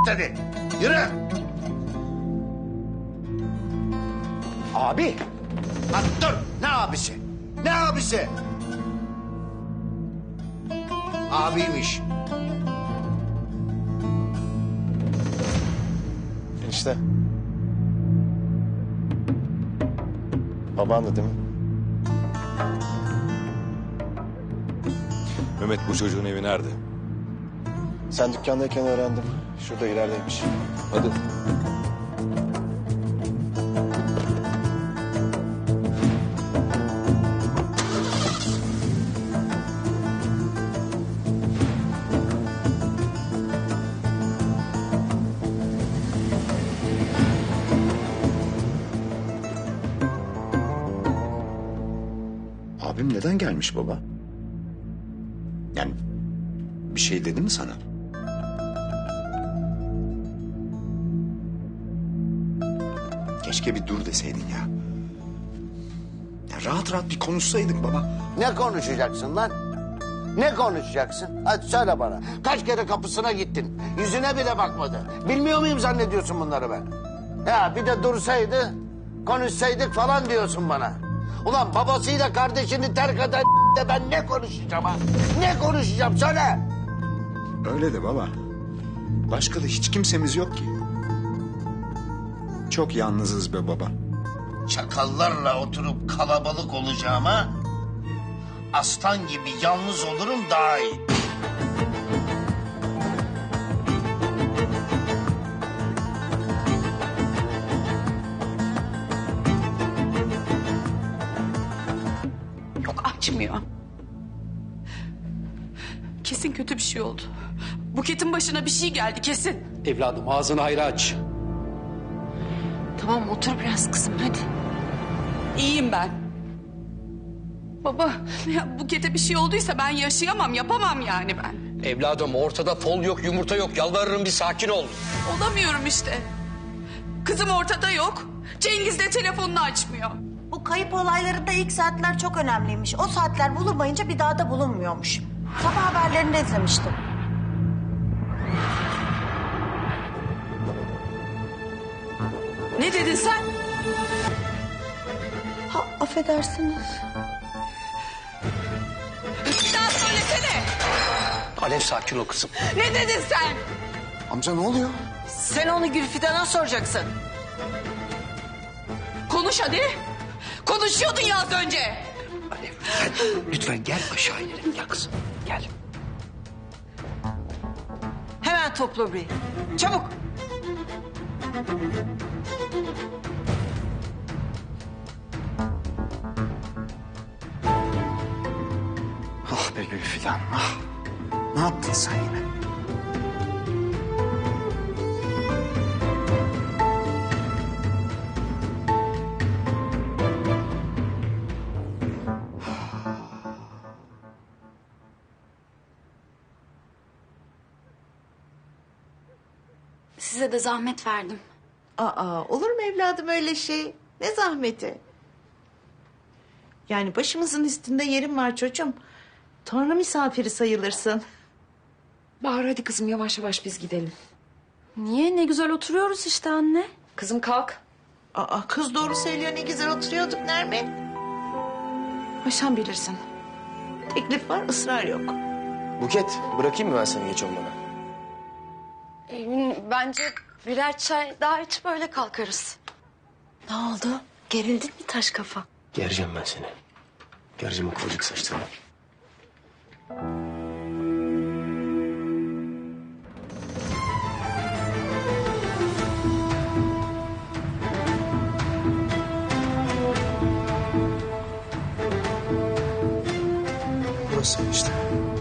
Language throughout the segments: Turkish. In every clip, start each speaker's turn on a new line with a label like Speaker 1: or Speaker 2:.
Speaker 1: hadi. Yürü. Abi. Lan dur. Ne abisi? Ne abisi? Abiymiş.
Speaker 2: Enişte. Babandı değil mi?
Speaker 3: Mehmet, bu çocuğun evi nerede?
Speaker 2: Sen dükkandayken öğrendim. Şurada ilerideymiş.
Speaker 3: Hadi.
Speaker 1: Abim neden gelmiş baba? Yani bir şey dedi mi sana? Keşke bir dur deseydin ya. Ya rahat rahat bir konuşsaydık baba.
Speaker 4: Ne konuşacaksın lan? Ne konuşacaksın? Hadi söyle bana. Kaç kere kapısına gittin? Yüzüne bile bakmadı. Bilmiyor muyum zannediyorsun bunları ben? Ya bir de dursaydı, konuşsaydık falan diyorsun bana. Ulan babasıyla kardeşini terk eden de ben ne konuşacağım ha? Ne konuşacağım söyle.
Speaker 1: Öyle de baba. Başka da hiç kimsemiz yok ki. Çok yalnızız be baba.
Speaker 4: Çakallarla oturup kalabalık olacağıma aslan gibi yalnız olurum daha iyi.
Speaker 5: Yok, açmıyor. Kesin kötü bir şey oldu. Buket'in başına bir şey geldi kesin.
Speaker 6: Evladım ağzını hayra aç.
Speaker 7: Tamam otur biraz kızım hadi.
Speaker 5: İyiyim ben. Baba, ya Buket'e bir şey olduysa ben yaşayamam, yapamam yani ben.
Speaker 6: Evladım ortada fol yok yumurta yok. Yalvarırım bir sakin ol.
Speaker 5: Olamıyorum işte. Kızım ortada yok. Cengiz de telefonunu açmıyor.
Speaker 8: Bu kayıp olaylarında ilk saatler çok önemliymiş. O saatler bulunmayınca bir daha da bulunmuyormuş. Sabah haberlerinde izlemiştim.
Speaker 5: Ne dedin sen?
Speaker 8: Ha, affedersiniz.
Speaker 5: Bir daha söylesene.
Speaker 6: Alev sakin ol kızım.
Speaker 5: Ne dedin sen?
Speaker 1: Amca ne oluyor?
Speaker 7: Sen onu Gülfidan'a soracaksın.
Speaker 5: Konuş hadi. Konuşuyordun ya az önce.
Speaker 6: Alev lütfen gel aşağı inelim. Gel kızım gel.
Speaker 7: Hemen topla burayı. Çabuk.
Speaker 1: Ah be Gülfidan, ah. Ne yaptın sen yine?
Speaker 9: Size de zahmet verdim.
Speaker 10: Aa, olur mu evladım öyle şey? Ne zahmeti? Yani başımızın üstünde yerim var çocuğum. Tanrı misafiri sayılırsın.
Speaker 7: Bahar hadi kızım yavaş yavaş biz gidelim.
Speaker 9: Niye? Ne güzel oturuyoruz işte anne.
Speaker 7: Kızım kalk.
Speaker 10: Aa, kız doğru söylüyor, ne güzel oturuyorduk Nermin. Ha, sen bilirsin. Teklif var, ısrar yok.
Speaker 2: Buket, bırakayım mı ben seni geç olmadan?
Speaker 9: Bence birer çay daha içip öyle kalkarız. Ne oldu? Gerildin mi taş kafa?
Speaker 2: Gereceğim ben seni. Gereceğim o kıvırcık saçlarını.
Speaker 1: Burası işte.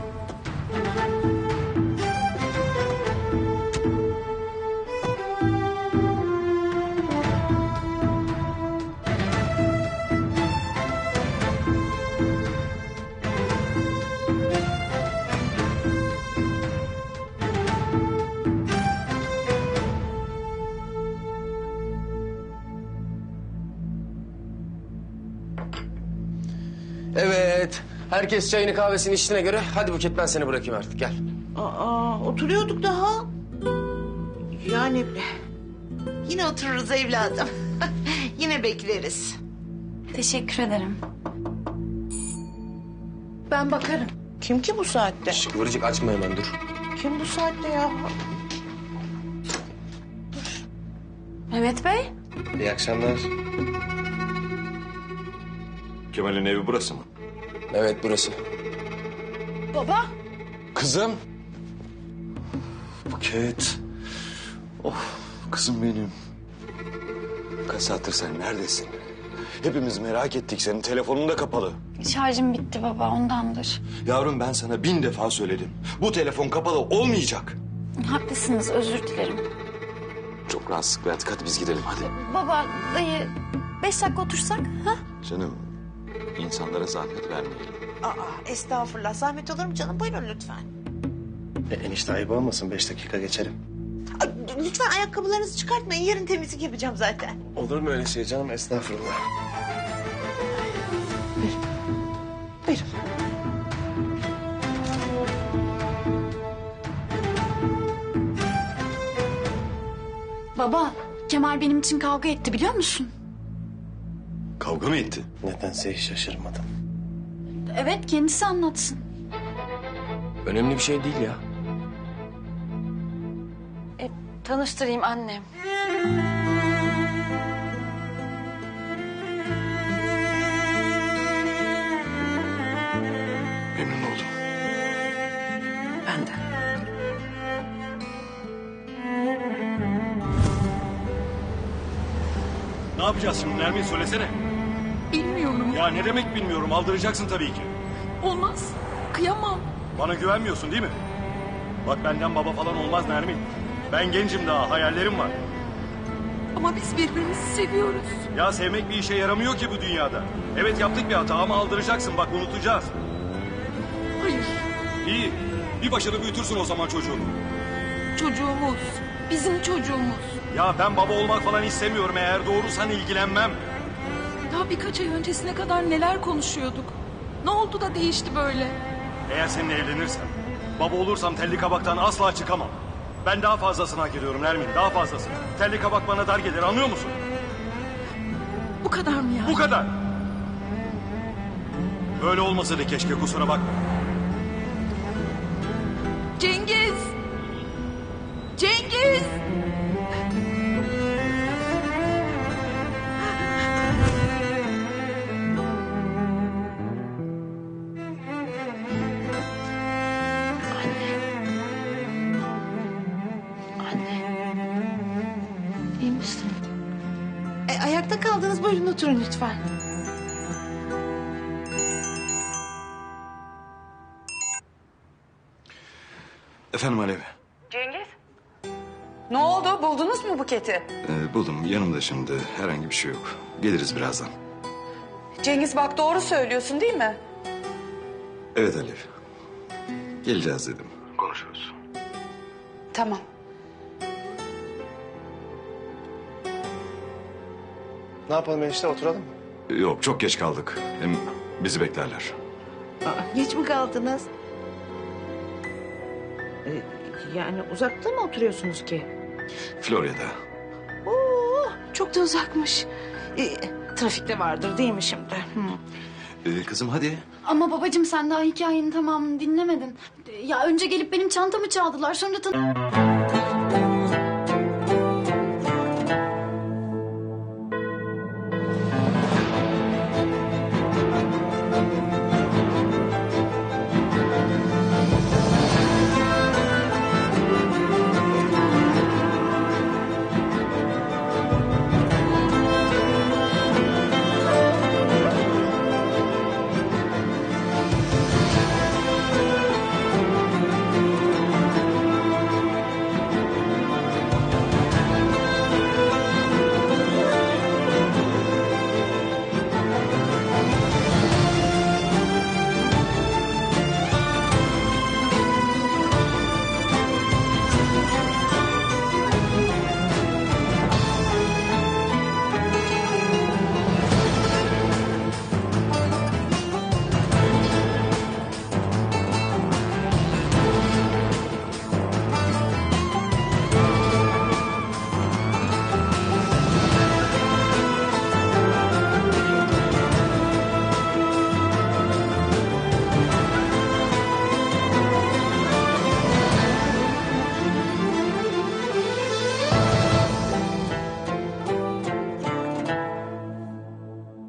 Speaker 2: Evet. Herkes çayını kahvesini içtiğine göre hadi Buket ben seni bırakayım artık gel.
Speaker 10: Aa, oturuyorduk daha. Yani yine otururuz evladım. Yine bekleriz.
Speaker 9: Teşekkür ederim. Ben bakarım.
Speaker 10: Kim ki bu saatte?
Speaker 2: Şş, Kıvırcık açma hemen dur.
Speaker 10: Kim bu saatte ya?
Speaker 9: Mehmet Bey.
Speaker 2: İyi akşamlar.
Speaker 3: Kemal'in evi burası mı?
Speaker 2: Evet burası.
Speaker 9: Baba.
Speaker 3: Kızım. Buket. Oh kızım benim. Kaç saattir sen neredesin? Hepimiz merak ettik, senin telefonun da kapalı.
Speaker 9: Şarjım bitti baba, ondandır.
Speaker 3: Yavrum ben sana 1000 defa söyledim. Bu telefon kapalı olmayacak.
Speaker 9: Haklısınız, özür dilerim.
Speaker 3: Çok rahatsızlık verdik, hadi biz gidelim hadi.
Speaker 9: Baba, dayı 5 dakika otursak? Ha?
Speaker 3: Canım insanlara zahmet vermeyelim.
Speaker 10: Aa, estağfurullah. Zahmet olur mu canım? Buyurun lütfen.
Speaker 2: Enişte ayıp olmasın 5 dakika geçelim.
Speaker 10: Ay, lütfen ayakkabılarınızı çıkartmayın. Yarın temizlik yapacağım zaten.
Speaker 2: Olur mu öyle şey canım estağfurullah.
Speaker 10: Buyurun.
Speaker 9: Baba, Kemal benim için kavga etti biliyor musun?
Speaker 3: Kavga mı etti?
Speaker 2: Nedense hiç şaşırmadım.
Speaker 9: Evet, kendisi anlatsın.
Speaker 2: Önemli bir şey değil ya.
Speaker 9: Tanıştırayım annem.
Speaker 3: Memnun oldum.
Speaker 10: Ben de.
Speaker 3: Ne yapacağız şimdi Nermin, söylesene.
Speaker 5: Bilmiyorum.
Speaker 3: Ya ne demek bilmiyorum, aldıracaksın tabii ki.
Speaker 5: Olmaz. Kıyamam.
Speaker 3: Bana güvenmiyorsun değil mi? Bak benden baba falan olmaz Nermin. Ben gencim daha, hayallerim var.
Speaker 5: Ama biz birbirimizi seviyoruz.
Speaker 3: Ya sevmek bir işe yaramıyor ki bu dünyada. Evet yaptık bir hata ama aldıracaksın, bak unutacağız.
Speaker 5: Hayır.
Speaker 3: İyi, bir başını büyütürsün o zaman çocuğunu.
Speaker 5: Çocuğumuz. Bizim çocuğumuz.
Speaker 3: Ya ben baba olmak falan istemiyorum, eğer doğrusan ilgilenmem.
Speaker 5: Daha birkaç ay öncesine kadar neler konuşuyorduk. Ne oldu da değişti böyle?
Speaker 3: Eğer seninle evlenirsem, baba olursam telli kabaktan asla çıkamam. Ben daha fazlasını hak ediyorum Nermin, daha fazlasını. Telli kabak bana dar gelir, anlıyor musun?
Speaker 5: Bu kadar mı ya?
Speaker 3: Bu kadar. Böyle olmasa da keşke, kusura bakma.
Speaker 5: Cengiz! Cengiz!
Speaker 9: İyi misin?
Speaker 10: Ayakta kaldınız. Buyurun oturun lütfen.
Speaker 3: Efendim Alev.
Speaker 5: Ne oldu? Buldunuz mu Buket'i?
Speaker 3: Buldum, yanımda şimdi, herhangi bir şey yok. Geliriz birazdan.
Speaker 5: Cengiz bak doğru söylüyorsun değil mi?
Speaker 3: Evet Alev. Geleceğiz dedim. Konuşuruz.
Speaker 5: Tamam.
Speaker 2: Ne yapalım enişte oturalım mı?
Speaker 3: Yok, çok geç kaldık. Hem bizi beklerler.
Speaker 10: Geç mi kaldınız? Yani uzakta mı oturuyorsunuz ki?
Speaker 3: Florya'da.
Speaker 10: Oo, çok da uzakmış. Trafikte vardır değil mi şimdi?
Speaker 3: Kızım hadi.
Speaker 9: Ama babacığım sen daha hikayenin tamamını dinlemedin. Ya önce gelip benim çantamı çaldılar, sonra